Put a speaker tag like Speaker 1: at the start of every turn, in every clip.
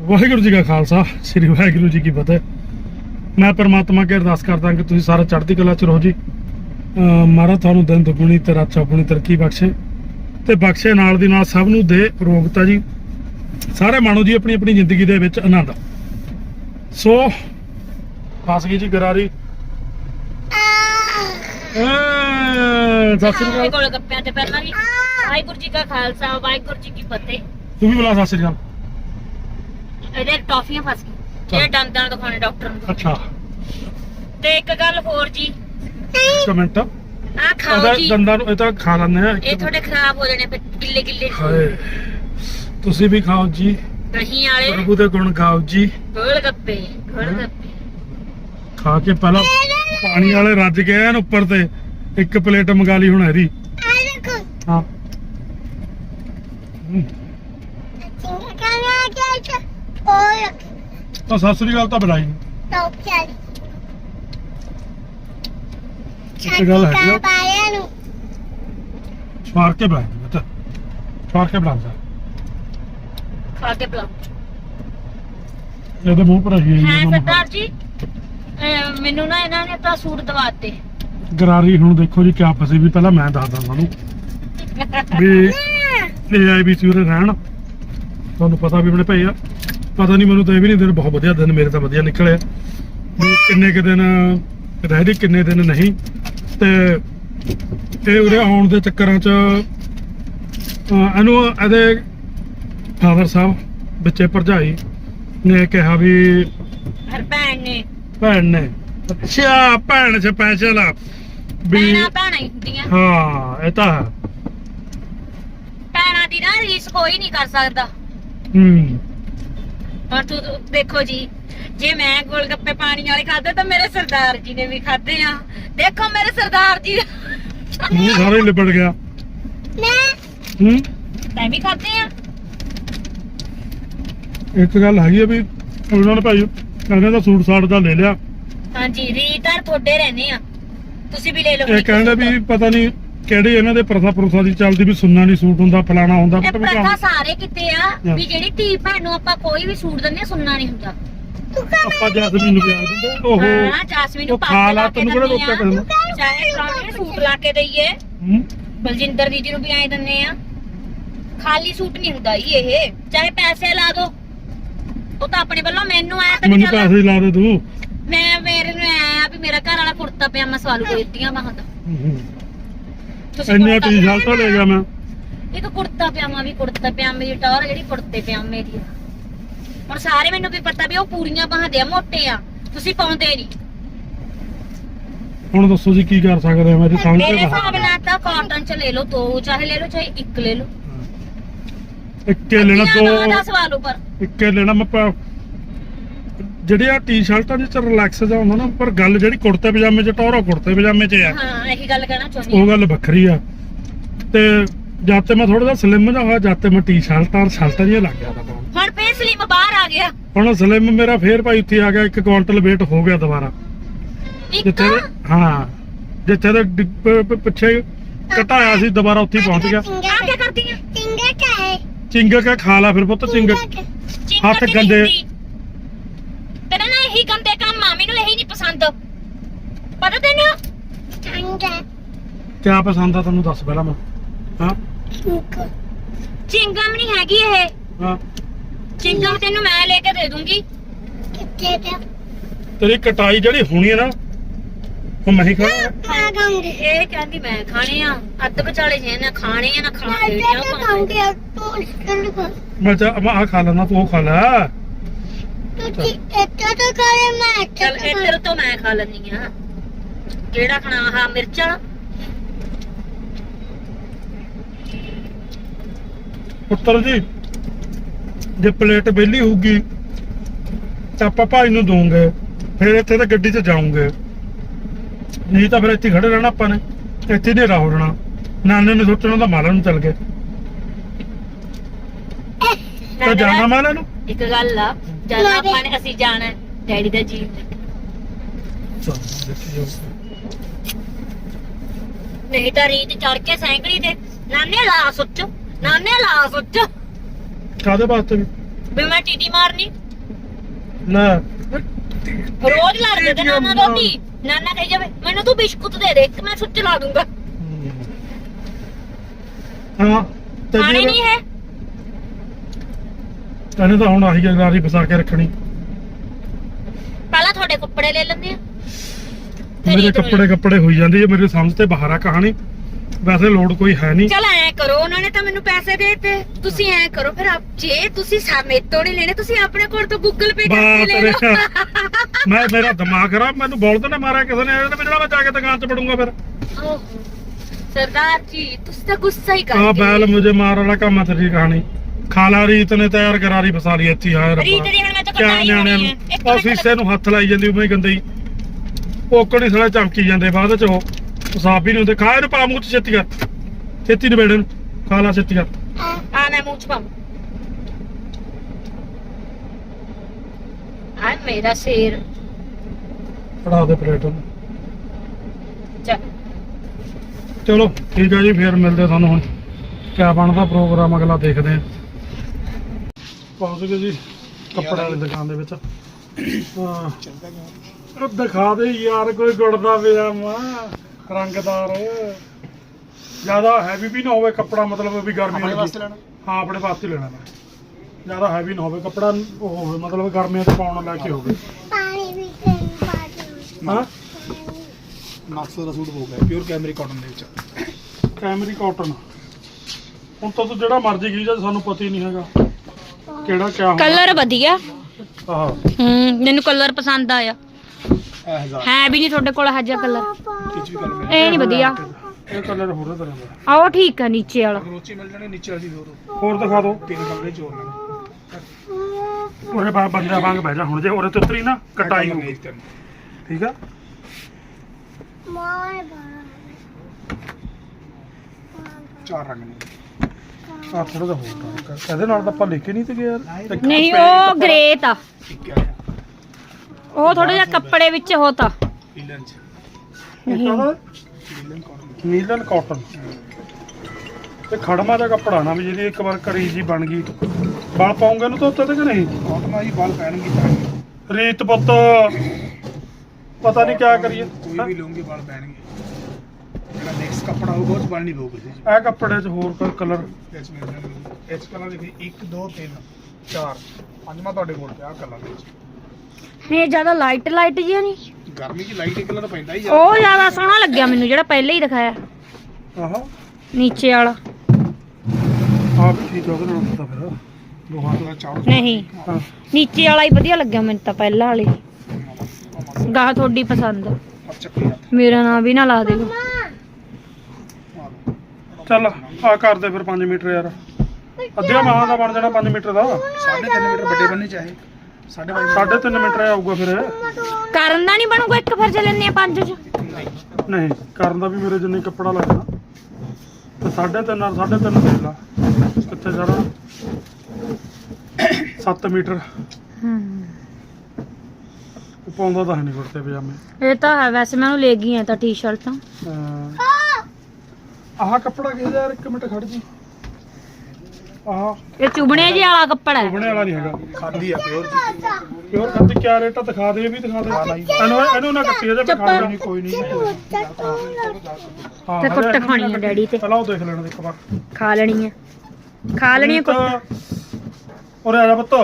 Speaker 1: ਵਾਹਿਗੁਰੂ ਜੀ ਕਾ ਖਾਲਸਾ ਸ੍ਰੀ ਵਾਹਿਗੁਰੂ ਜੀ ਕੀ ਫਤਿਹ। ਮੈਂ ਪਰਮਾਤਮਾ ਅੱਗੇ ਅਰਦਾਸ ਕਰਦਾ ਕਿ ਤੁਸੀਂ ਸਾਰੇ ਚੜ੍ਹਦੀ ਕਲਾ ਚ ਰਹੋ ਜੀ। ਮਹਾਰਾਜ ਤੁਹਾਨੂੰ ਦਿਨ ਦੁਗਣੀ ਤੇ ਰਾਤ ਚੌਗੁਣੀ ਤਰੱਕੀ ਬਖਸ਼ੇ ਤੇ ਬਖਸ਼ੇ ਨਾਲ ਦੀ ਨਾਲ ਸਭ ਨੂੰ ਦੇ ਰੋਗਤਾ ਜੀ। ਸਾਰੇ ਮਾਣੋ ਜੀ ਆਪਣੀ ਆਪਣੀ ਜ਼ਿੰਦਗੀ ਦੇ ਵਿੱਚ ਆਨੰਦ। ਸੋ ਫਸ ਗਈ ਜੀ ਗਰਾਰੀ। ਸਤਿ ਸ੍ਰੀ ਅਕਾਲ।
Speaker 2: ਕੋਲ ਗੱਪਿਆਂ ਤੇ ਪਹਿਲਾਂ ਵੀ ਵਾਹਿਗੁਰੂ ਜੀ ਕਾ ਖਾਲਸਾ ਵਾਹਿਗੁਰੂ ਜੀ ਕੀ ਫਤਿਹ।
Speaker 1: ਤੂੰ ਵੀ ਬੁਲਾ ਸਤਿ ਸ੍ਰੀ ਅਕਾਲ।
Speaker 2: ਇਹਦੇ ਟੌਫੀਆਂ ਫਸ ਗਈ ਇਹ ਦੰਦਾਂ ਦਿਖਾਉਣੇ ਡਾਕਟਰ ਨੂੰ।
Speaker 1: ਅੱਛਾ
Speaker 2: ਤੇ ਇੱਕ ਗੱਲ ਹੋਰ ਜੀ,
Speaker 1: ਇੱਕ ਮਿੰਟ।
Speaker 2: ਆ ਖਾਓ ਜੀ,
Speaker 1: ਦੰਦਾਂ ਨੂੰ ਇਹ ਤਾਂ ਖਾ ਲੈਂਦੇ ਆ।
Speaker 2: ਇਹ ਤੁਹਾਡੇ ਖਰਾਬ ਹੋ ਜਾਣੇ ਫਿਰ ਗਿੱਲੇ ਗਿੱਲੇ।
Speaker 1: ਹਾਏ ਤੁਸੀਂ ਵੀ ਖਾਓ ਜੀ,
Speaker 2: ਦਹੀਂ ਵਾਲੇ
Speaker 1: ਪ੍ਰਭੂ ਦੇ ਗੁਣ ਗਾਓ ਜੀ।
Speaker 2: ਗੋਲ ਗੱਪੇ ਗੋਲ ਗੱਪੇ
Speaker 1: ਖਾ ਕੇ ਪਹਿਲਾਂ ਪਾਣੀ ਵਾਲੇ ਰੱਜ ਗਏ ਹਨ ਉੱਪਰ ਤੇ ਇੱਕ ਪਲੇਟ ਮੰਗਾ ਲਈ ਹੁਣ ਇਹਦੀ। ਹਾਂ ਤਾਂ ਸਤਿ ਸ੍ਰੀ ਅਕਾਲ ਤਾਂ ਬੁਲਾਈ ਇੱਕ ਗੱਲ ਹੈਗੀ ਆ, ਸਵਾਰ ਕੇ ਬੁਲਾਈ ਬਤਾ ਸਵਾਰ ਕੇ ਬੁਲਾਉਂਦਾ
Speaker 2: ਖਾ ਕੇ ਪਲਾਓ।
Speaker 1: ਇਹਦੇ ਮੂੰਹ ਪਰ ਆਈ
Speaker 2: ਹੈ ਸਰਦਾਰ ਜੀ, ਮੈਨੂੰ ਨਾ ਇਹਨਾਂ ਨੇ ਤਾਂ ਸੂਟ ਦਵਾਤੇ।
Speaker 1: ਗਰਾਰੀ। ਹੁਣ ਦੇਖੋ ਜੀ ਕਿਆ ਫਸੀ ਵੀ, ਪਹਿਲਾਂ ਮੈਂ ਦੱਸਦਾ ਤੁਹਾਨੂੰ ਵੀ ਇਹ ਆਈ ਵੀ ਸੀ ਉਰੇ ਰਹਿਣ। ਤੁਹਾਨੂੰ ਪਤਾ ਵੀ ਆਪਣੇ ਭਾਈ ਆ, ਪਤਾ ਨਹੀਂ ਮੈਨੂੰ ਤਾਂ ਇਹ ਵੀ ਨਹੀਂ ਦਿਨ ਬਹੁਤ ਵਧੀਆ ਦਿਨ ਮੇਰੇ ਤਾਂ ਵਧੀਆ ਨਿਕਲੇ ਵੀ ਕਿੰਨੇ ਕੁ ਦਿਨ ਰਹਿ ਗਏ ਕਿੰਨੇ ਦਿਨ ਨਹੀਂ। ਤੇ ਇਹ ਉਰੇ ਆਉਣ ਦੇ ਚੱਕਰਾਂ 'ਚ ਇਹਨੂੰ ਇਹਦੇ ਫਾਦਰ ਸਾਹਿਬ ਬੱਚੇ ਭਰਜਾਈ ਨੇ ਕਿਹਾ ਵੀ
Speaker 2: ਹਰ
Speaker 1: ਭੈਣ ਨੇ ਅੱਛਾ ਭੈਣ ਸਪੈਸ਼ਲ ਵੀ
Speaker 2: ਭੈਣਾਂ ਹੀ ਹੁੰਦੀਆਂ।
Speaker 1: ਹਾਂ ਇਹ ਤਾਂ ਹੈ।
Speaker 2: ਭੈਣਾਂ ਦੀ ਨਾ ਰੀਸ ਕੋਈ ਨਹੀਂ ਕਰ ਸਕਦਾ। ਹੁਣ ਤੂੰ ਦੇਖੋ ਜੀ, ਜੇ ਮੈਂ ਗੋਲ ਗੱਪੇ ਪਾਣੀ ਵਾਲੇ ਖਾਦੇ ਤਾਂ ਮੇਰੇ ਸਰਦਾਰ ਜੀ ਨੇ ਵੀ ਖਾਦੇ ਆ। ਦੇਖੋ ਮੇਰੇ ਸਰਦਾਰ ਜੀ
Speaker 1: ਮੂੰਹ ਸਾਰਾ ਹੀ ਲਿਬੜ ਗਿਆ।
Speaker 2: ਤੈਂ ਵੀ ਖਾਦੇ ਆ।
Speaker 1: ਇੱਕ ਗੱਲ ਹੈਗੀ ਆ ਵੀ ਉਹਨਾਂ ਨੇ ਭਾਈ ਕਹਿੰਦੇ ਦਾ ਸੂਟ ਸਾਟ ਦਾ ਲੈ ਲਿਆ।
Speaker 2: ਹਾਂਜੀ ਰੀਤਾਰ ਤੁਹਾਡੇ ਰਹਿੰਦੇ ਆ, ਤੁਸੀਂ ਵੀ ਲੈ ਲਓ।
Speaker 1: ਇਹ ਕਹਿੰਦੇ ਵੀ ਪਤਾ ਨਹੀਂ ਕਿਹੜੀ ਇਹਨਾਂ ਦੇ ਪ੍ਰਥਾ ਦੀ ਚੱਲਦੀ ਵੀ ਸੁੰਨਾ ਨਹੀਂ ਸੂਟ ਹੁੰਦਾ ਫਲਾਣਾ ਹੁੰਦਾ।
Speaker 2: ਇਹ ਪ੍ਰਥਾ ਸਾਰੇ ਕਿਤੇ ਆ ਵੀ ਜਿਹੜੀ ਧੀ ਭੈਣ ਨੂੰ ਆਪਾਂ ਕੋਈ ਵੀ ਸੂਟ ਦਿੰਦੇ ਆ ਸੁੰਨਾ ਨਹੀਂ ਹੁੰਦਾ।
Speaker 1: ਆਪਾਂ ਜੈਸਮੀਨ ਨੂੰ ਵਿਆਹ ਦਿੰਦੇ ਉਹ
Speaker 2: ਹਾਂ ਜਾਸਮੀਨ ਨੂੰ
Speaker 1: ਖਾ ਲਾ ਤੈਨੂੰ ਕਿਹੜਾ ਰੋਕਿਆ ਕਿਸੇ ਨੇ।
Speaker 2: ਚਾਹੇ ਪ੍ਰਾਹੁਣੇ ਸੂਟ ਲਾ ਕੇ ਦਈਏ, ਬਲਜਿੰਦਰ ਦੀਦੀ ਨੂੰ ਵੀ ਐਂ ਦਿੰਦੇ ਆ। ਖਾਲੀ ਸੂਟ ਨਹੀਂ ਹੁੰਦਾ ਇਹ, ਚਾਹੇ ਪੈਸੇ ਲਾ ਦੋ ਉਹ ਤਾਂ ਆਪਣੇ ਵੱਲੋਂ। ਮੈਨੂੰ ਆਇਆ ਤਾਂ
Speaker 1: ਮੈਨੂੰ ਪੈਸੇ ਲਾ ਦੇ ਤੂੰ।
Speaker 2: ਮੇਰੇ ਨੂੰ ਆਇਆ ਵੀ ਮੇਰਾ ਘਰ ਵਾਲਾ ਕੁੜਤਾ ਪਜਾਮਾ ਸਵਾਲੂ ਦੇ ਦਿੱਤੀਆਂ ਬਾਹਾਂ ਦਾ।
Speaker 1: ਇੰਨੀਆਂ ਟੀ-ਸ਼ਰਟਾਂ ਲੈ ਗਿਆ ਮੈਂ।
Speaker 2: ਇੱਕ ਕੁੜਤਾ ਪਜਾਮਾ ਵੀ ਕੁੜਤਾ ਪਜਾਮੇ ਦੀ ਟੌਰ ਜਿਹੜੀ ਕੁੜਤੇ ਪਜਾਮੇ ਦੀ। ਹੁਣ ਸਾਰੇ ਮੈਨੂੰ ਵੀ ਪਤਾ ਵੀ ਉਹ ਪੂਰੀਆਂ ਬਾਹਾਂ ਦੇ ਆ, ਮੋਟੇ ਆ, ਤੁਸੀਂ ਪਾਉਂਦੇ ਨਹੀਂ।
Speaker 1: ਹੁਣ ਦੱਸੋ ਜੀ ਕੀ ਕਰ ਸਕਦੇ ਆ? ਮੇਰੀ ਸਮਝ
Speaker 2: ਮੇਰੇ ਹਿਸਾਬ ਨਾਲ ਤਾਂ ਕਾਟਨ ਚ ਲੈ ਲਓ, ਦੋ ਚਾਹੇ ਲੈ ਲਓ ਚਾਹੇ ਇੱਕ ਲੈ ਲਓ।
Speaker 1: ਇੱਕੇ ਲੈਣਾ
Speaker 2: ਦਾ ਸਵਾਲ ਉੱਪਰ
Speaker 1: ਇੱਕੇ ਲੈਣਾ ਮੈਂ। ਜਿਹੜੀਆਂ ਟੀ-ਸ਼ਰਟਾਂ ਵਿੱਚ ਰਿਲੈਕਸ ਜਾ ਹੁੰਦਾ ਨਾ, ਪਰ ਗੱਲ ਜਿਹੜੀ ਕੁੜਤੇ ਪਜਾਮੇ ਚ ਟੌਰ ਕੁੜਤੇ ਪਜਾਮੇ ਚ ਆ।
Speaker 2: ਹਾਂ ਇਹੀ ਗੱਲ ਕਹਿਣਾ ਚਾਹੁੰਦੀ
Speaker 1: ਉਹ ਗੱਲ ਵੱਖਰੀ ਆ। ਤੇ ਜਦ ਤੇ ਮੈਂ ਥੋੜਾ ਜਿਹਾ ਸਲਿਮ ਜਿਹਾ ਹੋਇਆ, ਜਦ ਤੇ ਮੈਂ ਟੀ-ਸ਼ਰਟਾਂ ਸ਼ਰਟਾਂ ਜਿਹੀਆਂ ਲੱਗ ਗਿਆ ਤਾਂ
Speaker 2: ਹੁਣ ਫੇਰ ਸਲਿਮ ਬਾਹਰ ਆ ਗਿਆ।
Speaker 1: ਹੁਣ ਸਲਿਮ ਮੇਰਾ ਫੇਰ ਭਾਈ ਉੱਥੇ ਆ ਗਿਆ। 1 ਕੁਆਂਟਲ weight ਹੋ ਗਿਆ ਦੁਬਾਰਾ। ਜਿੱਥੇ ਹਾਂ ਜਿੱਥੇ ਦੇ ਪਿੱਛੇ ਘਟਾਇਆ ਸੀ ਦੁਬਾਰਾ ਉੱਥੇ ਪਹੁੰਚ ਗਿਆ।
Speaker 2: ਆ ਕੀ ਕਰਦੀ ਆ?
Speaker 1: ਚਿੰਗਰ ਕਾ ਖਾ ਲਾ ਫਿਰ ਪੁੱਤ। ਚਿੰਗਰ ਹੱਥ ਗੰਦੇ।
Speaker 2: ਤੇਰਾ ਨਾ ਇਹੀ ਗੰਦੇ ਕੰਮ ਆ, ਮੈਨੂੰ ਇਹੀ ਨਹੀਂ ਪਸੰਦ। ਪਤਾ ਤੈਨੂੰ
Speaker 1: ਕਿਆ ਪਸੰਦ ਆ ਤੈਨੂੰ ਦੱਸ ਪਹਿਲਾਂ ਮੈਂ। ਹਾਂ
Speaker 2: ਚਿੰਗਮ ਨਹੀਂ ਹੈਗੀ ਇਹ।
Speaker 1: ਹਾਂ
Speaker 2: ਚਿੰਗਮ ਤੈਨੂੰ ਮੈਂ ਲੈ ਕੇ ਦੇ ਦੂੰਗੀ।
Speaker 1: ਤੇਰੀ ਕਟਾਈ ਜਿਹੜੀ ਹੋਣੀ ਹੈ ਨਾ ਉਹ ਮੈਂ ਹੀ ਖਾਣਾ।
Speaker 2: ਇਹ ਕਹਿੰਦੀ ਮੈਂ ਖਾਣੇ ਆ। ਅੱਧ ਵਿਚਾਲੇ ਜੇ ਨਾ ਖਾਣੇ ਆ ਨਾ ਖਾਣੇ।
Speaker 1: ਮੈਂ ਆ ਖਾ ਲੈਣਾ, ਤੂੰ ਉਹ ਖਾ ਲੈ।
Speaker 2: ਚੱਲ ਇੱਧਰ ਤੋਂ ਮੈਂ ਖਾ ਲੈਣੀ ਆ। ਕਿਹੜਾ ਖਾਣਾ? ਆਹ ਮਿਰਚਾਂ।
Speaker 1: ਪੁੱਤਰ ਜੀ ਜੇ ਪਲੇਟ ਵਿਹਲੀ ਹੋਊਗੀ ਤਾਂ ਆਪਾਂ ਭਾਈ ਨੂੰ ਦਵਾਂਗੇ, ਫਿਰ ਇੱਥੇ ਤਾਂ ਗੱਡੀ 'ਚ ਜਾਊਂਗੇ। ਨਹੀਂ ਤਾਂ ਫਿਰ ਇੱਥੇ ਖੜੇ ਰਹਿਣਾ ਆਪਾਂ ਨੇ। ਇੱਥੇ ਹਨੇਰਾ ਹੋ ਜਾਣਾ। ਨਾਨੇ ਨੇ ਸੋਚਣਾ ਤਾਂ ਮਾਲਾ ਨੂੰ ਚੱਲ ਗਏ ਤਾਂ ਜਾਣਾ ਮਾਲਾ ਨੂੰ।
Speaker 2: ਇੱਕ ਗੱਲ ਆ, ਜਾਣਾ ਆਪਾਂ ਨੇ, ਅਸੀਂ ਜਾਣਾ ਡੈਡੀ ਦਾ ਜੀ। ਨਹੀਂ ਤਾਂ ਰੀਤ ਚੜ ਕੇ ਸਾਈਕਲੀ ਤੇ ਨਾਨੇ ਲਾ ਸੁੱਚ, ਨਾਨੇ ਲਾ ਸੁੱਚ।
Speaker 1: ਕਾਹਦੇ ਵਾਸਤੇ ਵੀ
Speaker 2: ਵੀ ਮੈਂ ਟੀਟੀ ਮਾਰਨੀ
Speaker 1: ਲੈ
Speaker 2: ਰੋਜ਼ ਲੜਦੇ ਤੇ ਨਾਨਾ ਦੋਤੀ ਨਾਨਾ ਕਹੀ ਜਾਵੇ ਮੈਨੂੰ ਤੂੰ ਬਿਸਕੁਟ ਦੇ ਦੇ ਇੱਕ ਮੈਂ ਸੁੱਚ ਲਾ ਦੂੰਗਾ
Speaker 1: ਹਾਂ ਤੇ
Speaker 2: ਖਾਣੇ ਨਹੀਂ ਹੈ
Speaker 1: ਇਹਨੇ ਤਾਂ ਹੁਣ ਆਹੀ ਗਰਾਰੀ ਫਸਾ ਕੇ ਰੱਖਣੀ
Speaker 2: ਪਹਿਲਾਂ ਤੁਹਾਡੇ ਕੱਪੜੇ ਲੈ ਲੈਂਦੇ ਆ
Speaker 1: ਮੇਰੇ ਕੱਪੜੇ ਹੋਈ ਜਾਂਦੀ ਹੈ ਮੇਰੇ ਸਮਝ ਤੇ ਬਾਹਰ ਆ ਕਹਾਣੀ ਵੈਸੇ ਲੋੜ ਕੋਈ ਹੈ ਨਹੀਂ
Speaker 2: ਚਲ ਐ ਕਰੋ ਉਹਨਾਂ ਨੇ ਤਾਂ ਮੈਨੂੰ ਪੈਸੇ ਦੇ ਦਿੱਤੇ ਤੁਸੀਂ ਐ ਕਰੋ ਫਿਰ ਜੇ ਤੁਸੀਂ ਮੇਤੋਂ ਨਹੀਂ ਲੈਣੇ ਤੁਸੀਂ ਆਪਣੇ ਕੋਲ ਤੋਂ ਗੂਗਲ ਪੇ ਕਰਕੇ ਲੈ ਲਓ
Speaker 1: ਮੈਂ ਮੇਰਾ ਦਿਮਾਗ ਖਰਾਬ ਮੈਨੂੰ ਬੋਲ ਤਾਂ ਨਾ ਮਾਰਿਆ ਕਿਸੇ ਨੇ ਇਹਦੇ ਵਿੱਚ ਮੈਂ ਜਾ ਕੇ ਦੁਕਾਨ 'ਚ ਵੜੂੰਗਾ ਫਿਰ
Speaker 2: ਸਰਦਾਰ ਜੀ ਤੁਸੀਂ ਤਾਂ ਗੁੱਸਾ ਹੀ ਕਰਦੇ
Speaker 1: ਆ ਬੈਲ ਮੁਝੇ ਮਾਰ ਵਾਲਾ ਕੰਮ ਆ ਤੇਰੀ ਕਹਾਣੀ ਖਾਲਾ ਰੀਤ ਨੇ ਤਿਆਰ ਕਰਾਰੀ ਫਸਾ ਲਈ ਇੱਥੇ ਹਾਏ
Speaker 2: ਰੀਤ
Speaker 1: ਰੱਬਾ
Speaker 2: ਦੀ ਹੁਣ ਮੈਂ ਤਾਂ
Speaker 1: ਕਿਆ
Speaker 2: ਕਟਾਈ
Speaker 1: ਨਿਆਣਿਆਂ
Speaker 2: ਹੋਣੀ
Speaker 1: ਨੂੰ
Speaker 2: ਹੈ
Speaker 1: ਉਹ ਸੀਸੇ ਨੂੰ ਹੱਥ ਲਾਈ ਜਾਂਦੀ ਉਵੇਂ ਹੀ ਗੰਦੀ ਪੋਕੜੀ ਸਾਲਾ ਚਮਕੀ ਜਾਂਦੇ ਬਾਅਦ ਚ ਉਹ ਸਾਫ ਹੀ ਨਹੀਂ ਹੁੰਦੇ ਖਾ ਇਹਨੂੰ ਪਾ ਮੂੰਹ ਚ ਛੇਤੀ ਕਰ ਛੇਤੀ ਨਿਬੇੜ ਇਹਨੂੰ ਖਾ ਲਾ ਛੇਤੀ ਕਰ
Speaker 2: ਆ ਮੈਂ ਮੂੰਹ ਚ ਪਾਵਾਂ ਆ ਮੇਰਾ ਸ਼ੇਰ
Speaker 1: ਫੜਾ ਦੇ ਪਲੇਟ ਨੂੰ
Speaker 2: ਚੱਲ
Speaker 1: ਚਲੋ ਠੀਕ ਹੈ ਜੀ ਫੇਰ ਮਿਲਦੇ ਤੁਹਾਨੂੰ ਹੁਣ ਕਿਆ ਬਣਦਾ ਪ੍ਰੋਗਰਾਮ ਅਗਲਾ ਦੇਖਦੇ ਆਂ ਪਹੁੰਚ ਗਏ ਜੀ ਕੱਪੜੇ ਵਾਲੀ ਦੁਕਾਨ ਦੇ ਵਿੱਚ ਹਾਂ ਉਹ ਦਿਖਾ ਦੇ ਯਾਰ ਕੋਈ ਗੁੜਦਾ ਪਜਾਮਾ ਰੰਗਦਾਰ ਜਿਆਦਾ ਹੈਵੀ ਵੀ ਨਾ ਹੋਵੇ ਕੱਪੜਾ ਮਤਲਬ ਵੀ ਗਰਮੀਆਂ ਵਾਸਤੇ ਲੈਣਾ ਹਾਂ ਆਪਣੇ ਵਾਸਤੇ ਲੈਣਾ ਮੈਂ ਜਿਆਦਾ ਹੈਵੀ ਨਾ ਹੋਵੇ ਕੱਪੜਾ ਉਹ ਹੋਵੇ ਮਤਲਬ ਗਰਮੀਆਂ ਤੇ ਪਾਉਣ ਲੈ ਕੇ ਹੋਵੇ
Speaker 3: ਪਾਣੀ ਵੀ ਪਾ ਦਿਓ
Speaker 1: ਹਾਂ
Speaker 4: ਮਾਕਸ ਦਾ ਸੂਟ ਹੋ ਗਿਆ ਪਿਓਰ ਕੈਮਰੀ ਕਾਟਨ ਦੇ ਵਿੱਚ
Speaker 1: ਕੈਮਰੀ ਕਾਟਨ ਹੁਣ ਤਾਂ ਤੂੰ ਜਿਹੜਾ ਮਰਜ਼ੀ ਖਰੀਦ ਜਾ ਸਾਨੂੰ ਪਤਾ ਹੀ ਨਹੀਂ ਹੈਗਾ ਕਿਹੜਾ ਕਿਆ ਹੁੰਦਾ
Speaker 2: ਕਲਰ ਵਧੀਆ
Speaker 1: ਆਹ
Speaker 2: ਮੈਨੂੰ ਕਲਰ ਪਸੰਦ ਆਇਆ
Speaker 4: ਇਹ ਹਜ਼ਾਰ
Speaker 2: ਹੈ ਵੀ ਨਹੀਂ ਤੁਹਾਡੇ ਕੋਲ ਹਜਾ ਕਲਰ
Speaker 4: ਕਿਚ ਵੀ ਕਲਰ ਮਿਲ
Speaker 2: ਇਹ ਨਹੀਂ ਵਧੀਆ
Speaker 1: ਇਹ ਕਲਰ ਹੋਰ ਤਰ੍ਹਾਂ ਦਾ
Speaker 2: ਆਓ ਠੀਕ ਆ ਨੀਚੇ ਵਾਲਾ
Speaker 4: ਰੋਚੀ ਮਿਲ ਜਾਣੇ ਨੀਚੇ ਵਾਲੀ ਦੋ
Speaker 1: ਹੋਰ ਦਿਖਾ ਦੋ
Speaker 4: ਤਿੰਨ ਕਮਰੇ ਚ ਹੋਰ ਲੈਣੇ
Speaker 1: ਉਹਦੇ ਬਾਅਦ ਬੰਦਾ ਵਾਂਗ ਬਹਿ ਜਾ ਹੁਣ ਜੇ ਉਹਦੇ ਤੇ ਉਤਰੀ ਨਾ ਕਟਾਈ ਹੋਊਗੀ ਠੀਕ ਆ
Speaker 3: ਮਾਰ
Speaker 4: ਚਾਰ ਰੰਗ ਨੇ
Speaker 1: ਆ ਥੋੜਾ ਜਿਹਾ ਹੋਰ ਡਾਰਕ ਇਹਦੇ ਨਾਲ ਤਾਂ ਆਪਾਂ ਲੈ ਕੇ ਨਹੀਂ ਤੇ ਗਏ ਯਾਰ ਇੱਕ
Speaker 2: ਨਹੀਂ ਉਹ ਗ੍ਰੇ ਤਾਂ
Speaker 4: ਇੱਕ ਆ
Speaker 2: ਉਹ ਥੋੜਾ ਜਿਹਾ ਕੱਪੜੇ ਵਿੱਚ ਹੋਤਾ
Speaker 4: ਲੀਲਨ ਚ
Speaker 1: ਉਹਦਾ
Speaker 4: ਲੀਲਨ ਕਾਟਨ
Speaker 1: ਨੀਲਨ ਕਾਟਨ ਤੇ ਖੜਮਾ ਦਾ ਕੱਪੜਾ ਨਾ ਵੀ ਜਿਹਦੀ ਇੱਕ ਵਾਰ ਕਰੀ ਜੀ ਬਣ ਗਈ ਵਾਲ ਪਾਉਂਗੇ ਨੂੰ ਤਾਂ ਉੱਤੇ ਤੇ ਕਿ ਨਹੀਂ
Speaker 4: ਕਾਟਨ ਆ ਜੀ ਬਾਲ ਪੈਣਗੇ ਤਾਂ
Speaker 1: ਰੀਤ ਪੁੱਤ ਪਤਾ ਨਹੀਂ ਕਿਆ ਕਰੀਏ
Speaker 4: ਕੋਈ ਵੀ ਲਓਗੇ ਬਾਲ ਪੈਣਗੇ ਜਿਹੜਾ ਨੈਕਸਟ ਕੱਪੜਾ ਹੋਊਗਾ ਉਹ 'ਚ ਬਲ ਨਹੀਂ ਪਊਗਾ ਜੀ
Speaker 1: ਇਹ ਕੱਪੜੇ 'ਚ ਹੋਰ ਕਲਰ
Speaker 4: ਇਸ ਮਿਲ ਜਾਣਗੇ ਇਸ ਕਲਰ ਦੇ 1 2 3 4 ਪੰਜਵਾਂ ਤੁਹਾਡੇ ਕੋਲ ਪਿਆ ਕਲਰ ਦੇ ਵਿੱਚ
Speaker 2: ਨਹੀਂ ਜਿਆਦਾ ਲਾਈਟ ਜਿਹਾ ਨਹੀਂ
Speaker 4: ਗਰਮੀ 'ਚ ਲਾਈਟ ਕਲਰ ਪੈਂਦਾ ਹੀ
Speaker 2: ਉਹ ਜ਼ਿਆਦਾ ਸੋਹਣਾ ਲੱਗਿਆ ਮੈਨੂੰ ਜਿਹੜਾ ਪਹਿਲੇ ਹੀ ਦਿਖਾਇਆ
Speaker 1: ਆਹਾ
Speaker 2: ਨੀਚੇ ਵਾਲਾ
Speaker 1: ਆ ਵੀ ਠੀਕ ਆ ਉਹਦੇ ਨਾਲ ਤਾਂ ਫਿਰ ਦੋਹਾਂ
Speaker 4: ਜ਼ਿਆਦਾ ਚਾਵਲ
Speaker 2: ਨਹੀਂ
Speaker 1: ਹਾਂ
Speaker 2: ਨੀਚੇ ਵਾਲਾ ਹੀ ਵਧੀਆ ਲੱਗਿਆ ਮੈਨੂੰ ਤਾਂ ਪਹਿਲਾਂ ਵਾਲੀ ਗਾਹ ਤੁਹਾਡੀ ਪਸੰਦ
Speaker 4: ਚੱਕੀ ਹੱਥ
Speaker 2: ਮੇਰਾ ਨਾਂ ਵੀ ਨਾ ਲਾ ਦਿਓ
Speaker 1: ਚੱਲ ਆ ਕਰ ਦੇ ਫਿਰ 5 ਮੀਟਰ ਯਾਰ ਅੱਧਿਆ ਮਾਹਾਂ ਦਾ ਬਣ ਜਾਣਾ 5 ਮੀਟਰ ਦਾ
Speaker 4: 3.5 ਮੀਟਰ ਵੱਡੇ ਬੰਨੇ ਚਾਹੇ 5.5
Speaker 1: 3.5 ਮੀਟਰ ਆਊਗਾ ਫਿਰ
Speaker 2: ਕਰਨ ਦਾ ਨਹੀਂ ਬਣੂਗਾ ਇੱਕ ਫਿਰ ਲੈਣੇ ਆ 5 ਚ
Speaker 1: ਨਹੀਂ ਕਰਨ ਦਾ ਵੀ ਮੇਰੇ ਜਿੰਨੇ ਕੱਪੜਾ ਲੱਗਦਾ ਤੇ 3.5 ਨਾਲ 3.5 ਦੇ ਲਾ ਕਿੱਥੇ ਜਾਣਾ 7 ਮੀਟਰ ਉਹ ਪਾਉਂਦਾ ਤਾਂ ਹੈ ਨਹੀਂ ਕੁੜਤੇ ਪਜਾਮੇ
Speaker 2: ਇਹ ਤਾਂ ਹੈ ਵੈਸੇ ਮੈਂ ਉਹਨੂੰ ਲੈ ਗਈ ਆ ਤਾਂ ਟੀ-ਸ਼ਰਟਾਂ
Speaker 1: ਆਹ ਕੱਪੜਾ ਕਿਹਦਾ ਯਾਰ 1 ਮਿੰਟ ਖੜ ਜੀ ਆਹ
Speaker 2: ਇਹ ਚੁਬਣੇ ਜਿਹੇ ਵਾਲਾ ਕੱਪੜਾ ਹੈ
Speaker 1: ਬਣੇ ਵਾਲਾ ਨਹੀਂ ਹੈਗਾ
Speaker 4: ਖਾਦੀ ਆ ਪਿਓਰ ਜੀ
Speaker 1: ਪਿਓਰ ਖਾਦੀ ਕਿਆ ਰੇਟ ਆ ਦਿਖਾ ਦੇ ਇਹ ਵੀ ਦਿਖਾ ਦੇ ਇਹਨੂੰ ਨਾ ਕੱਟੀ ਇਹਦੇ
Speaker 2: ਚੱਪਲ।
Speaker 1: ਖਾ ਨਹੀਂ ਕੋਈ ਨਹੀਂ ਹਾਂ
Speaker 2: ਤੇ ਕੁੱਟ ਖਾਣੀ ਆ ਡੈਡੀ ਤੇ
Speaker 1: ਪਹਿਲਾਂ ਉਹ ਦੇਖ ਲੈਣ ਦੇ ਇੱਕ ਵਾਰ
Speaker 2: ਖਾ ਲੈਣੀ ਆ ਕੁੱਟ
Speaker 1: ਉਰੇ ਆ ਜਾ ਪੁੱਤ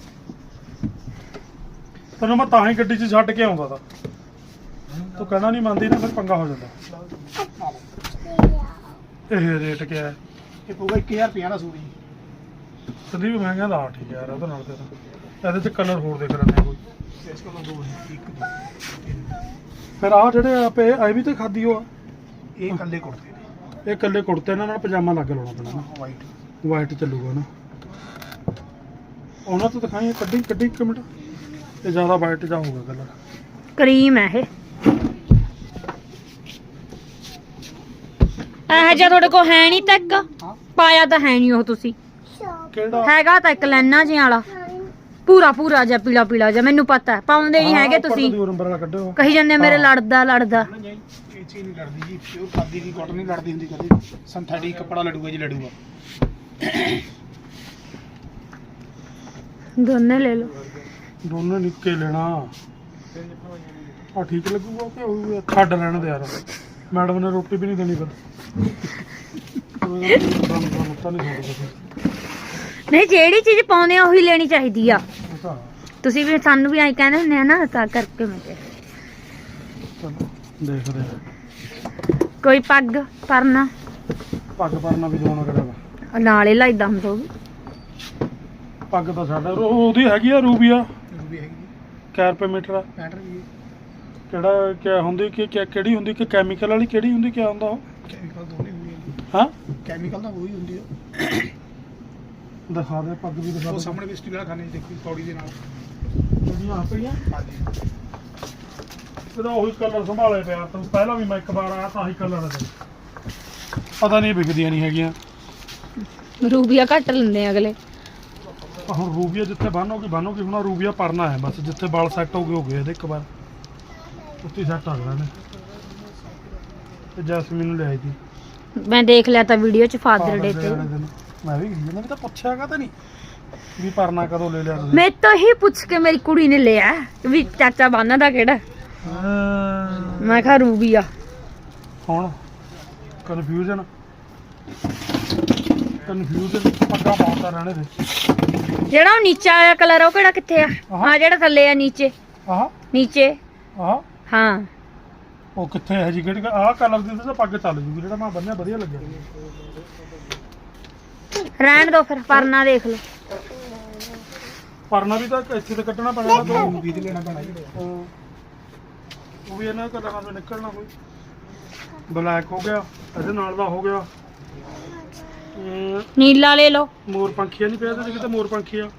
Speaker 1: ਤੈਨੂੰ ਮੈਂ ਤਾਂ ਹੀ ਗੱਡੀ 'ਚ ਛੱਡ ਕੇ ਆਉਂਦਾ ਤਾ ਤੂੰ ਕਹਿਣਾ ਨਹੀਂ ਮੰਨਦੀ ਨਾ ਫਿਰ ਪੰਗਾ ਹੋ ਜਾਂਦਾ ਇਹ ਰੇਟ ਕਿਆ ਹੈ
Speaker 4: ਇਹ ਪਊਗਾ 1000 ਰੁਪਏ ਦਾ ਸੂਟ ਜੀ
Speaker 1: ਤਦੀ ਵੀ ਮਹਿੰਗਾ ਦਾ ਠੀਕ ਯਾਰ ਉਹਦੇ ਨਾਲ ਤੇ ਤਾਂ ਇਹਦੇ 'ਚ ਕਲਰ ਹੋਰ ਦੇਖ ਲੈਂਦੇ ਕੋਈ
Speaker 4: ਇਸ ਕੋਲ ਦੋ ਹੈ 1 2
Speaker 1: ਫਿਰ ਆਹ ਜਿਹੜੇ ਆਪੇ ਇਹ ਵੀ ਤੇ ਖਾਦੀ ਹੋ ਆ
Speaker 4: ਇਹ ਕੱਲੇ ਕੁੜਤੇ ਨੇ
Speaker 1: ਇਹ ਇਕੱਲੇ ਕੁੜਤੇ ਇਹਨਾਂ ਨਾਲ ਪਜਾਮਾ ਲੱਗ ਲਾਉਣਾ ਪੈਣਾ ਨਾ
Speaker 4: ਵਾਈਟ
Speaker 1: ਵਾਈਟ ਚੱਲੂਗਾ ਨਾ ਉਹਨਾਂ ਤੋਂ ਦਿਖਾਈ ਕੱਢੀ 1 ਮਿੰਟ ਇਹ ਜ਼ਿਆਦਾ ਵਾਈਟ ਜਾ ਹੋਊਗਾ ਕਲਰ
Speaker 2: ਕਰੀਮ ਹੈ ਇਹ ਜਿਹਾ ਤੁਹਾਡੇ ਕੋਲ ਹੈ ਨਹੀਂ ਤੱਕ ਪਾਇਆ ਤਾਂ ਹੈ ਨਹੀਂ ਉਹ ਤੁਸੀਂ
Speaker 1: ਕਿਹੜਾ
Speaker 2: ਹੈਗਾ ਤਾਂ ਇੱਕ ਲੈਣਾ ਜਿਹਾ ਵਾਲਾ ਪੂਰਾ ਜਿਹਾ ਪੀਲਾ ਜਿਹਾ ਮੈਨੂੰ ਪਤਾ ਹੈ ਪਾਉਂਦੇ ਨਹੀਂ ਹੈਗੇ ਤੁਸੀਂ
Speaker 1: ਨੰਬਰ ਵਾਲਾ ਕੱਢਿਓ
Speaker 2: ਕਹੀ ਜਾਂਦੇ ਆ, ਮੇਰੇ ਲੜਦਾ
Speaker 4: ਇਹ ਚੀਜ਼ ਨਹੀਂ ਲੜਦੀ ਜੀ ਪਿਓਰ ਖਾਦੀ ਦੀ ਕਾਟਨ ਨਹੀਂ ਲੜਦੀ ਹੁੰਦੀ ਕਦੇ ਸਿੰਥੈਟਿਕ ਕੱਪੜਾ ਲੜੂਗਾ ਜੀ ਲੜੂਗਾ
Speaker 2: ਦੋਨੇ ਲੈ ਲਓ।
Speaker 1: ਦੋਨੇ ਨਿੱਕੇ ਲੈਣਾ ਆ ਠੀਕ ਲੱਗੂਗਾ ਕਿ ਉਹ ਛੱਡ ਲੈਣ ਦੇ ਯਾਰ ਮੈਡਮ ਨੇ ਰੋਟੀ ਵੀ ਨਹੀਂ ਦੇਣੀ ਫਿਰ ਤਾਂ ਨਹੀਂ ਛੱਡਦਾ
Speaker 2: ਨਹੀਂ ਜਿਹੜੀ ਚੀਜ਼ ਪਾਉਂਦੇ ਆ ਉਹੀ ਲੈਣੀ ਚਾਹੀਦੀ ਆ।
Speaker 1: ਤਾਂ
Speaker 2: ਤੁਸੀਂ ਵੀ ਸਾਨੂੰ ਵੀ ਐਂ ਕਹਿੰਦੇ ਹੁੰਦੇ ਆ ਨਾ, ਤਾਂ ਕਰਕੇ ਮੈਂ ਕਿਹਾ
Speaker 1: ਚਲੋ ਦੇਖਦੇ ਹਾਂ।
Speaker 2: ਕੋਈ ਪੱਗ ਪਰਨਾ
Speaker 1: ਪੱਗ ਪਰਨਾ ਵੀ ਦੋਣਾ ਕਰੇਗਾ
Speaker 2: ਨਾਲੇ ਲਾਈਦਾ ਹੁੰਦਾ ਉਹ ਵੀ।
Speaker 1: ਪੱਗ ਤਾਂ ਸਾਡਾ ਉਹਦੀ ਹੈਗੀ ਆ ਰੂਬੀਆ
Speaker 4: ਵੀ ਹੈਗੀ
Speaker 1: ਕਿਆ ਰੁਪਏ ਮੀਟਰ ਆ
Speaker 4: ਪੈਟਰ ਵੀ
Speaker 1: ਕਿਹੜਾ ਕਿਆ ਹੁੰਦੀ ਕਿ ਕਿਹੜੀ ਹੁੰਦੀ ਕਿ ਕੈਮੀਕਲ ਵਾਲੀ ਕਿਹੜੀ ਹੁੰਦੀ ਕਿਆ ਹੁੰਦਾ ਉਹ
Speaker 4: ਕੈਮੀਕਲ ਦੋਨੇ ਹੁੰਦੀ ਹੈ
Speaker 1: ਹਾਂ
Speaker 4: ਕੈਮੀਕਲ ਤਾਂ ਉਹੀ ਹੁੰਦੀ ਹੈ
Speaker 1: ਦਿਖਾ ਦੇ ਪੱਗ ਵੀ ਦਿਖਾ
Speaker 4: ਉਹ
Speaker 1: ਦੇ
Speaker 4: ਸਾਹਮਣੇ ਵੀ ਸਟੀਲ ਵਾਲਾ ਖਾਣੇ ਦੇਖੀ ਪੌੜੀ ਦੇ ਨਾਲ
Speaker 1: ਜਿਹੜੀਆਂ ਆ ਪਈਆਂ
Speaker 4: ਹਾਂਜੀ
Speaker 1: ਇਹਦਾ ਉਹੀ ਕਲਰ ਸੰਭਾਲੇ ਪਿਆ ਤੂੰ ਪਹਿਲਾਂ ਵੀ ਮੈਂ ਇੱਕ ਵਾਰ ਆਇਆ ਤਾਂ ਆਹੀ ਕਲਰ ਹੈ ਪਤਾ ਨਹੀਂ ਵਿਕਦੀਆਂ ਨਹੀਂ ਹੈਗੀਆਂ
Speaker 2: ਰੂਬੀਆ ਘੱਟ ਲੈਂਦੇ ਆ ਅਗਲੇ।
Speaker 1: ਹੁਣ ਰੂਬੀਆ ਜਿੱਥੇ ਬੰਨੋਗੀ ਹੁਣ ਆਹ ਰੂਬੀਆ ਪਰਨਾ ਹੈ ਬਸ ਜਿੱਥੇ ਵਾਲ ਸੈੱਟ ਹੋ ਗਏ ਇਹਦੇ ਇੱਕ ਵਾਰ ਉੱਤੀ ਸੈੱਟ ਆ ਗਿਆ ਨੇ ਤੇ ਜੈਸਮੀਨ ਨੂੰ ਲਿਆਈ ਸੀ
Speaker 2: ਮੈਂ ਦੇਖ ਲਿਆ ਤਾਂ ਵੀਡੀਓ ਚ ਫਾਦਰ ਡੇ ਤੇ।
Speaker 1: ਮੈਂ ਵੀ ਇਹਨਾਂ ਨੇ ਤਾਂ ਪੁੱਛਿਆਗਾ ਤਾਂ ਨਹੀਂ ਵੀ ਪਰਨਾ ਕਦੋਂ ਲੈ ਲਿਆ ਤੁਸੀਂ
Speaker 2: ਮੈਂ ਤਾਂ ਹੀ ਪੁੱਛ ਕੇ ਮੇਰੀ ਕੁੜੀ ਨੇ ਲਿਆ ਵੀ ਚਾਚਾ ਬੰਨਦਾ ਕਿਹੜਾ। ਮੈਂ ਕਿਹਾ ਰੂਬੀਆ।
Speaker 1: ਹੁਣ ਕਨਫਿਊਜ਼ਨ ਪੱਗਾ ਪਾਉਂਦਾ ਰਹਿਣੇ ਦੇ
Speaker 2: ਜਿਹੜਾ ਉਹ ਨੀਚੇ ਵਾਲਾ ਕਲਰ ਉਹ ਕਿਹੜਾ ਕਿੱਥੇ ਆ? ਹਾਂ ਜਿਹੜਾ ਥੱਲੇ ਆ ਨੀਚੇ
Speaker 1: ਆਹ
Speaker 2: ਨੀਚੇ
Speaker 1: ਆਹ
Speaker 2: ਹਾਂ
Speaker 1: ਉਹ ਕਿੱਥੇ ਹੈ ਜੀ ਕਿਹੜੀ ਆਹ ਕਲਰ ਦੀ ਤਾਂ ਪੱਗ ਚੱਲ ਜੂਗੀ ਜਿਹੜਾ ਮੈਂ ਬੰਨਿਆ ਵਧੀਆ ਲੱਗਿਆ
Speaker 2: ਰਹਿਣ ਦੋ ਫਿਰ ਪਰਨਾ ਦੇਖ ਲਓ।
Speaker 1: ਪਰਨਾ ਵੀ ਤਾਂ ਇੱਥੇ ਤੇ ਕੱਟਣਾ ਪੈਣਾ ਨਾ ਦੋ
Speaker 4: ਵੀ ਤੇ ਲੈਣਾ ਪੈਣਾ ਜੀ
Speaker 1: ਉਹ ਵੀ ਇਹਨਾਂ ਕਲਰਾਂ ਤੋਂ ਨਿਕਲਣਾ ਕੋਈ ਬਲੈਕ ਹੋ ਗਿਆ ਇਹਦੇ ਨਾਲ ਦਾ ਹੋ ਗਿਆ
Speaker 2: ਨੀਲਾ ਲੈ ਲਓ।
Speaker 1: ਮੋਰ ਪੰਖੀਆ ਨਹੀਂ ਪਿਆ ਤੇ ਕਿਤੇ ਮੋਰ ਪੰਖੀਆ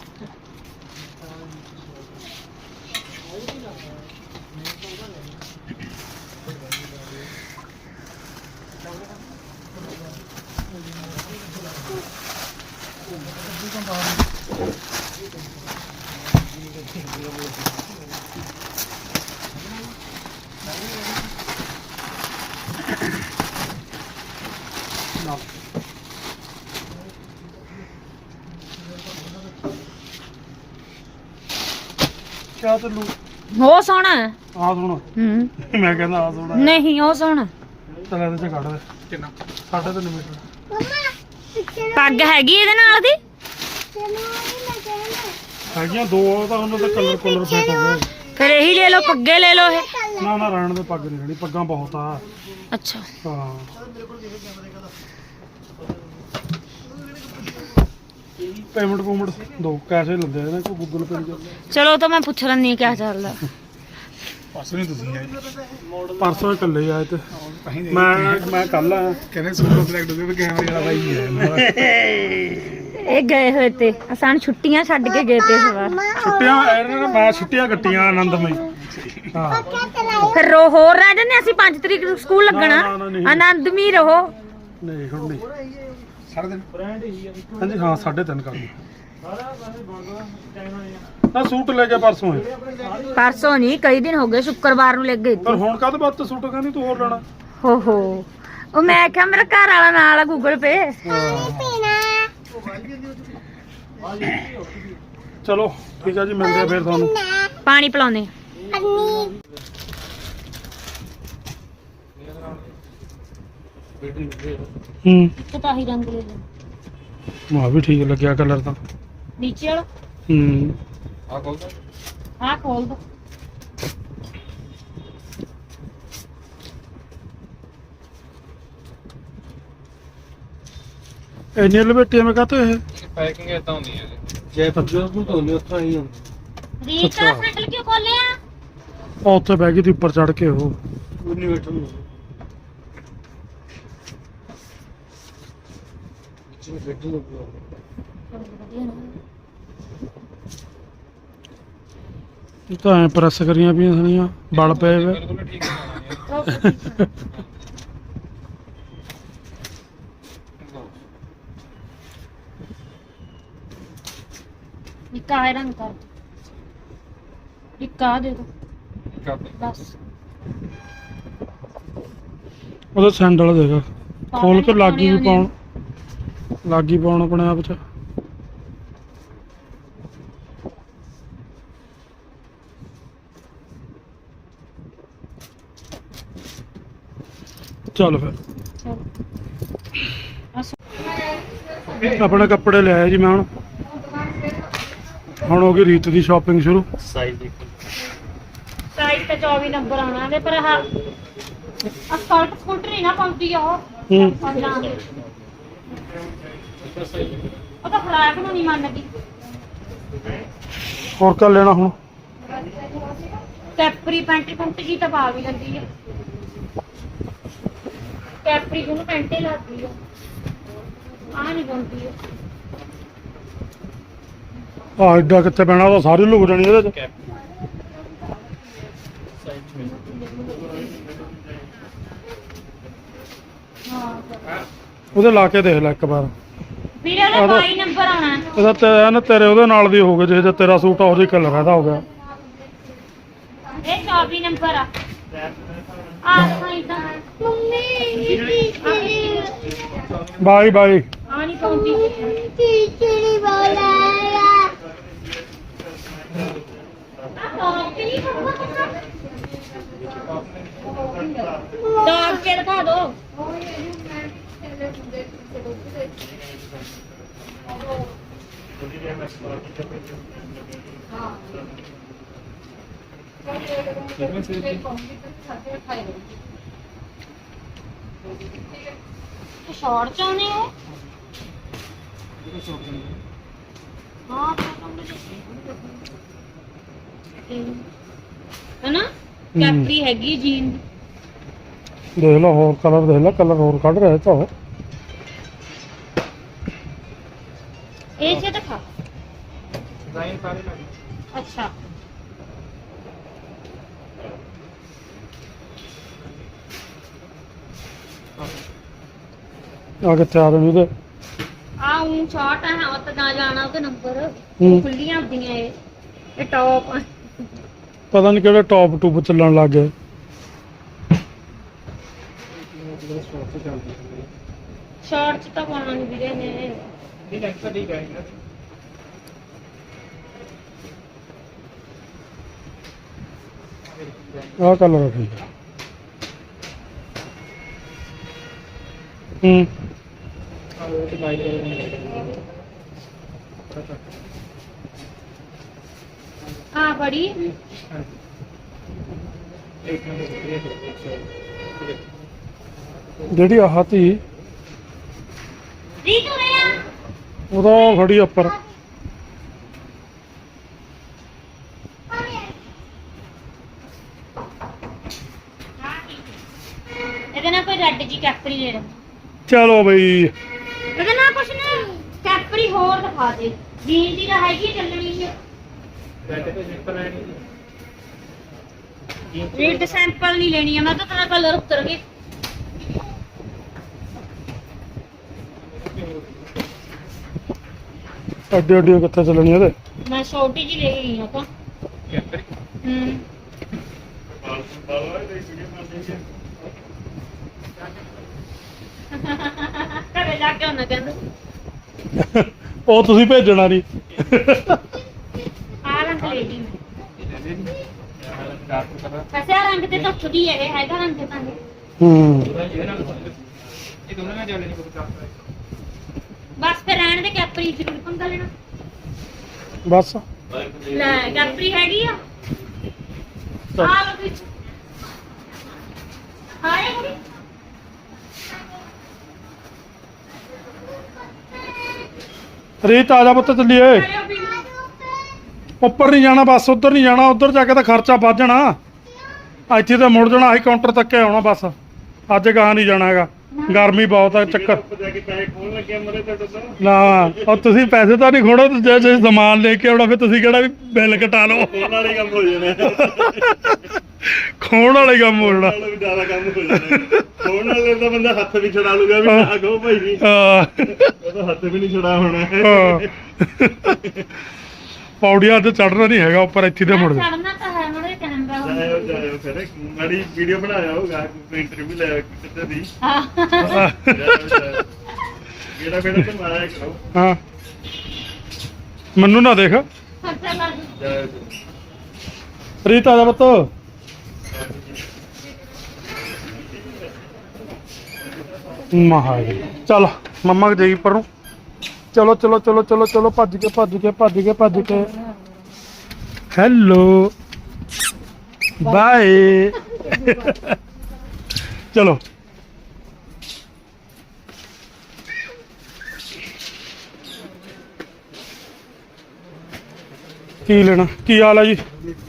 Speaker 1: ਕਿਆ ਤੈਨੂੰ
Speaker 2: ਉਹ ਸੋਹਣਾ ਹੈ।
Speaker 1: ਆ ਸੁਣ ਮੈਂ ਕਹਿੰਦਾ ਆ ਸੁਣ
Speaker 2: ਨਹੀਂ ਉਹ ਸੋਹਣਾ।
Speaker 1: ਚੱਲ ਇਹਦੇ ਚ ਕੱਢ ਦੇ
Speaker 4: ਕਿੰਨਾ
Speaker 1: 3.5 ਮੀਟਰ
Speaker 3: ਮਮਾ ਪਿੱਛੇ
Speaker 2: ਪੱਗ ਹੈਗੀ ਇਹਦੇ ਨਾਲ ਦੀ।
Speaker 1: ਹੈਗੀਆਂ ਦੋ ਤਾਂ ਉਹਨਾਂ ਦਾ ਕਲਰ ਫੇਟ ਹੋ ਗਏ
Speaker 2: ਫਿਰ ਇਹੀ ਲੈ ਲਓ ਪੱਗੇ ਲੈ ਲਓ ਇਹ।
Speaker 1: ਨਾ ਰਹਿਣ ਦੇ ਪੱਗ ਨਹੀਂ ਰਹਿਣੀ ਪੱਗਾਂ ਬਹੁਤ ਆ
Speaker 2: ਅੱਛਾ
Speaker 1: ਹਾਂ ਪੇਮੈਂਟ ਦੋ ਕੈਸੇ ਲੈਂਦੇ ਨੇ ਕੋਈ ਗੂਗਲ ਪੇ
Speaker 2: ਚਲੋ ਤਾਂ ਮੈਂ ਪੁੱਛ ਲੈਂਦੀ ਕਿਆ ਚੱਲਦਾ।
Speaker 4: ਪਾਸ ਨਹੀਂ ਤੁਸੀਂ ਆਏ
Speaker 1: ਪਰਸੋਂ ਇਕੱਲੇ ਆਏ ਤੇ
Speaker 4: ਅਸੀਂ
Speaker 1: ਮੈਂ ਕੱਲ ਆਇਆ
Speaker 4: ਕਹਿੰਦੇ ਸੁਪਰ ਸਿਲੈਕਟ ਹੋ ਗਏ ਵੀ ਕੈਮਰੇ ਵਾਲਾ ਬਾਈ ਹੈ
Speaker 2: ਇਹ ਗਏ ਹੋਏ ਤੇ ਅਸਾਂ ਛੁੱਟੀਆਂ ਛੱਡ ਕੇ ਗਏ ਤੇ ਇਸ ਵਾਰ।
Speaker 1: ਛੁੱਟੀਆਂ ਇਹਨਾਂ ਨੇ ਮੈਂ ਛੁੱਟੀਆਂ ਕੱਟੀਆਂ ਆਨੰਦਮਈ ਹਾਂ
Speaker 2: ਫਿਰ ਹੋਰ ਰਹਿ ਜਾਂਦੇ ਅਸੀਂ 5 ਤਰੀਕ ਨੂੰ ਸਕੂਲ ਲੱਗਣਾ।
Speaker 1: ਨਹੀਂ।
Speaker 2: ਆਨੰਦਮਈ ਰਹੋ।
Speaker 1: ਨਹੀਂ ਹੁਣ ਨਹੀਂ
Speaker 4: ਸਾਰਾ ਦਿਨ
Speaker 1: ਹਾਂਜੀ ਹਾਂ 3:30 ਕਰ ਨਾ ਸੂਟ ਲੈ ਕੇ ਪਰਸੋਂ ਹੈ
Speaker 2: ਪਰਸੋਂ ਨਹੀਂ ਕਈ ਦਿਨ ਹੋ ਗਏ ਸ਼ੁੱਕਰਵਾਰ ਨੂੰ ਲੈ ਗਏ
Speaker 1: ਪਰ ਹੁਣ ਕਾਹਦੇ ਵਾਸਤੇ ਸੂਟ ਕਹਿੰਦੀ ਤੂੰ ਹੋਰ ਲੈਣਾ
Speaker 2: ਹੋ ਉਹ ਮੈਂ ਕਿਹਾ ਮੇਰਾ ਘਰ ਵਾਲਾ ਨਾਲ ਆ ਗੂਗਲ ਪੇ।
Speaker 1: ਚਲੋ ਠੀਕ ਆ ਜੀ ਮਿਲਦੇ ਆ ਫਿਰ ਤੁਹਾਨੂੰ
Speaker 2: ਪਾਣੀ ਪਿਲਾਉਂਦੇ ਇੱਕ ਤਾਂ ਹੀ ਰੰਗ ਲੈ ਲਓ
Speaker 1: ਮਾ ਵੀ ਠੀਕ ਲੱਗਿਆ ਕਲਰ ਤਾਂ
Speaker 2: ਨੀਚੇ ਵਾਲਾ ਹਾਂ ਖੋਲ ਦੋ
Speaker 1: ਇੰਨੇ ਲਪੇਟੀਆਂ ਮੈਂ ਕਹਤੇ ਇਹ
Speaker 4: ਪੈਕਿੰਗ ਇਦਾਂ ਹੁੰਦੀ ਹੈ
Speaker 1: ਜੈਪੁਰ ਨੂੰ ਧੋਨੇ ਉੱਥੋਂ ਆਈ ਹੁੰਦੀ
Speaker 2: ਰੀਚ ਦਾ ਸੈਂਟਰ ਕਿਉਂ ਖੋਲਿਆ?
Speaker 1: ਉਹ ਉੱਥੇ ਬਹਿ ਗਈ ਤੀ ਉੱਪਰ ਚੜ ਕੇ ਉਹ
Speaker 4: ਇਨਵੇਟਰ ਨੂੰ ਜਿਵੇਂ ਬੈਠ ਨੂੰ
Speaker 1: ਇਹ ਤਾਂ ਐ ਪ੍ਰੈਸ ਕਰੀਆਂ ਪਈਆਂ ਸਣੀਆਂ ਬਲ ਪਏ ਵੇ
Speaker 4: ਬਿਲਕੁਲ ਠੀਕ ਹੈ
Speaker 2: ਨਿੱਕਾ ਹੈ ਰੰਗ ਕਰ ਨਿੱਕਾ ਦੇ ਦੋ ਬਸ
Speaker 1: ਉਹਦਾ ਸੈਂਡਲ ਦੇਖ ਖੋਲ ਕੇ ਲਾਗੀ ਵੀ ਪਾਉਣ ਲਾਗੀ ਪਾਉਣ ਆਪਣੇ ਆਪ ਚ ਚੱਲ ਫਿਰ
Speaker 2: ਚਲੋ
Speaker 1: ਆਪਣੇ ਕੱਪੜੇ ਲੈ ਆਇਆ ਜੀ ਮੈਂ ਹੁਣ ਹੋ ਗਈ ਰੀਤ ਦੀ ਸ਼ਾਪਿੰਗ ਸ਼ੁਰੂ।
Speaker 4: ਸਾਈਜ਼ ਦੇਖੋ
Speaker 2: ਸਾਈਜ਼ ਤਾਂ 24 ਨੰਬਰ ਆਉਣਾ ਇਹਦੇ ਪਰ ਆਹ ਸਕਲਟ ਸਕੂਟ ਨਹੀਂ ਨਾ ਪਾਉਂਦੀ ਆ
Speaker 1: ਹੂੰ
Speaker 2: ਉਹ ਤਾਂ ਫਰਾਕ ਨੂੰ ਨਹੀਂ ਮੰਨਦੀ।
Speaker 1: ਹੋਰ ਕਰ ਲੈਣਾ ਹੁਣ।
Speaker 2: ਕੈਪਰੀ ਪੈਂਟ ਪੁੰਟ ਜੀ ਤਾਂ ਪਾ ਵੀ ਲੈਂਦੀ ਆ। ਕੈਪਰੀ ਨੂੰ ਪੈਂਟੇ ਲੱਗਦੀ ਆ ਆ ਨਹੀਂ ਪਾਉਂਦੀ ਆ।
Speaker 1: ਆ ਐਡਾ ਕਿੱਥੇ ਪੈਣਾ ਉਹ ਤਾਂ ਸਾਰੀ ਲੁਕ ਜਾਣੀ ਇਹਦੇ ਚ।
Speaker 2: ਹਾਂ
Speaker 1: ਉਹਦੇ ਲਾ ਕੇ ਦੇਖ ਲੈ ਇੱਕ ਵਾਰ।
Speaker 2: ਵੀਰੇ ਦਾ 22 ਨੰਬਰ ਆਉਣਾ।
Speaker 1: ਇਹਦਾ ਤੇ ਤੇਰੇ ਉਹਦੇ ਨਾਲ ਦੀ ਹੋ ਗਿਆ ਜੇ ਤੇਰਾ ਸੂਟ ਆ ਉਹਦੇ ਕਲਰ ਇਹਦਾ ਹੋ ਗਿਆ।
Speaker 2: ਇਹ 24 ਨੰਬਰ ਆ ਸਾਈਜ਼ ਦਾ
Speaker 1: ਬਾਈ ਬਾਈ
Speaker 2: ਆ ਨਹੀਂ ਪਾਉਂਦੀ।
Speaker 3: ਚੀਚੜੀ ਬੋਲਾਇਆ
Speaker 2: ਡਾਕ ਕੇ ਦਿਖਾ ਦੋ। शॉर्ट चाहने हो हाँ है ना कैपरी हैगी जीन
Speaker 1: देख लो और कलर देख लो कलर और कट रहे तो
Speaker 2: ऐसे दिखा अच्छा
Speaker 1: आगे तैयार नहीं दे
Speaker 2: आऊं शॉर्ट है और तो ना जाना ਉਹਦੇ ਨੰਬਰ
Speaker 1: ਹੂੰ।
Speaker 2: ਖੁੱਲੀਆਂ ਹੁੰਦੀਆਂ ਇਹ ਟੌਪ
Speaker 1: पता नहीं केड़े टॉप टूप चलन लग गए।
Speaker 2: ਸ਼ਾਰਟ ਚ ਤਾਂ ਪਾਉਣਾ ਨਹੀਂ ਵੀਰੇ ਨੇ
Speaker 4: ਇਹ ਲੈਂਥ ਤਾਂ ਠੀਕ ਹੈ
Speaker 1: आ कलर है ठीक है। हम्म
Speaker 2: हाँ बड़ी
Speaker 1: ਜਿਹੜੀ ਆਹ ਤੀ
Speaker 2: रीत हो रहा
Speaker 1: ਉਹਦਾ ਖੜੀ ਉੱਪਰ
Speaker 2: ਇਹਦੇ ਨਾਲ ਕੋਈ ਰੈੱਡ ਜੀ ਕੈਪਰੀ ਲੈ ਲੈ
Speaker 1: ਚਲੋ ਬਈ
Speaker 2: ਇਹਦੇ ਨਾਲ ਕੁਛ ਨਾ ਕੈਪਰੀ ਹੋਰ ਦਿਖਾ ਦੇ ਜੀਨ ਦੀ ਤਾਂ ਹੈਗੀ ਚੱਲਣੀ ਹੈ ਰੀਡ ਸੈਂਪਲ ਨਹੀਂ ਲੈਣੀ ਹੈ ਮੈਂ ਤਾਂ ਤੇਰਾ ਕਲਰ ਉਤਰ ਗਏ
Speaker 1: ਅੱਡੇ ਅੱਡੇ ਕਿੱਥੇ ਚੱਲਣੀ ਇਹਦੇ
Speaker 2: ਮੈਂ ਛੋਟੀ ਜੀ ਲੈ ਗਈ ਹਾਂ ਤਾਂ ਹੂੰ ਘਰੇ ਜਾ ਕੇ ਉਹਨਾਂ ਕਹਿੰਦਾ
Speaker 1: ਉਹ ਤੁਸੀਂ ਭੇਜਣਾ ਨਹੀਂ
Speaker 2: ਆ ਰੰਗ ਲੈ ਲਈ ਵੈਸੇ ਆਹ ਰੰਗ ਤੇ ਤਾਂ ਖੁਦੀ ਹੈ ਇਹ ਹੈਗਾ ਰੰਗ ਤਾਂ
Speaker 1: ਹੂੰ
Speaker 4: ਇਹ ਦੋਨਾਂ ਨਾਲ ਚੱਲਣੀ ਕੋਈ ਚਾਹਤਾ ਹੈ
Speaker 2: ਬਸ ਫਿਰ ਰਹਿਣ ਦੇ ਕੈਪਰੀ ਜ਼ਰੂਰ ਪੰਗਾ ਲੈਣਾ
Speaker 1: ਬਸ
Speaker 2: ਲੈ ਕੈਪਰੀ ਹੈਗੀ ਆ ਆ ਲੋ ਵਿੱਚ ਹਾਏ ਕੁੜੀ
Speaker 1: ਰੀਤ ਆ ਜਾ ਪੁੱਤ ਚੱਲੀਏ
Speaker 2: ਆਇਓ ਵੀ
Speaker 1: ਉੱਪਰ ਨਹੀਂ ਜਾਣਾ ਬਸ ਉੱਧਰ ਨਹੀਂ ਜਾਣਾ ਉੱਧਰ ਜਾ ਕੇ ਤਾਂ ਖਰਚਾ ਵੱਧ ਜਾਣਾ ਇੱਥੇ ਤਾਂ ਮੁੜ ਜਾਣਾ ਆਹੀ ਕਾਊਂਟਰ ਤੱਕ ਹੀ ਆਉਣਾ ਬਸ ਅੱਜ ਗਾਹ ਨਹੀਂ ਜਾਣਾ ਹੈਗਾ ਗਰਮੀ ਬਹੁਤ ਆ ਚੱਕਰ ਨਾ ਉਹ ਤੁਸੀਂ ਪੈਸੇ ਤਾਂ ਨਹੀਂ ਖੋੜੋ ਜੇ ਸਮਾਨ ਲੈ ਕੇ ਆਉਣਾ ਫਿਰ ਤੁਸੀਂ ਕਿਹੜਾ ਵੀ ਬਿੱਲ ਕਟਾ ਲਓ
Speaker 5: ਖੋਣ ਵਾਲੇ ਕੰਮ ਹੋ ਜਾਣੇ
Speaker 1: ਖੋਣ ਵਾਲੇ ਕੰਮ ਹੋ ਜਾਣਾ
Speaker 5: ਵੀ ਜ਼ਿਆਦਾ ਕੰਮ ਹੋ ਜਾਣੇ ਖੋਣ ਵਾਲੇ ਦਾ ਬੰਦਾ ਹੱਥ ਵੀ ਛਡਾ ਲੂਗਾ ਵੀ ਆ ਗੋ ਭਾਈ ਜੀ
Speaker 1: ਹਾਂ
Speaker 5: ਉਹਦਾ ਹੱਥ ਵੀ ਨਹੀਂ ਛਡਾ ਹੋਣਾ
Speaker 1: ਹਾਂ। ਪੌੜੀਆਂ ਤੇ ਚੜਨਾ ਨਹੀਂ ਹੈਗਾ ਉੱਪਰ ਇੱਥੇ ਤੇ ਮੁੜ ਜਾ
Speaker 2: ਚੜਨਾ ਤਾਂ ਹੈ ਮੜੇ ਕੈਮਰਾ
Speaker 5: ਜਾਇਓ ਜਾਇਓ ਫਿਰ ਮਾੜੀ ਵੀਡੀਓ ਬਣਾਇਆ ਹੋਗਾ ਕੋਈ ਇੰਟਰਵਿਊ ਲੈ ਕਿਤੇ ਦੀ
Speaker 2: ਹਾਂ
Speaker 5: ਜਿਹੜਾ ਬੇੜਾ ਤੇ ਮਾਰਿਆ ਕਰੋ
Speaker 1: ਹਾਂ ਮੈਨੂੰ ਨਾ ਦੇਖ
Speaker 2: ਖਰਚਾ ਕਰ
Speaker 5: ਜਾਇਓ
Speaker 1: ਰੀਤ ਆ ਜਾ ਪੁੱਤ ਮਹਾ ਜੀ ਚੱਲ ਮੰਮਾ ਜਾਈ ਪਰ ਨੂੰ ਚਲੋ ਚਲੋ ਚਲੋ ਚਲੋ ਚਲੋ ਭੱਜ ਕੇ ਭੱਜ ਕੇ ਭੱਜ ਕੇ ਭੱਜ ਕੇ ਹੈਲੋ ਬਾਏ ਚਲੋ ਕੀ ਲੈਣਾ ਕੀ ਹਾਲ ਹੈ ਜੀ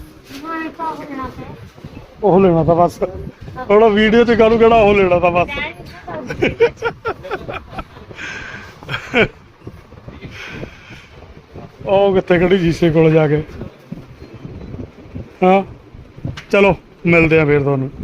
Speaker 1: ਉਹ ਲੈਣਾ ਤਾਂ ਬਸ ਥੋੜਾ ਵੀਡੀਓ ਚ ਕਾਹਨੂੰ ਕਿਹੜਾ ਉਹ ਲੈਣਾ ਤਾਂ ਬਸ ਉਹ ਕਿੱਥੇ ਖੜੀ ਜੀਸੇ ਕੋਲ ਜਾ ਕੇ ਹਾਂ ਚਲੋ ਮਿਲਦੇ ਆ ਫੇਰ ਤੁਹਾਨੂੰ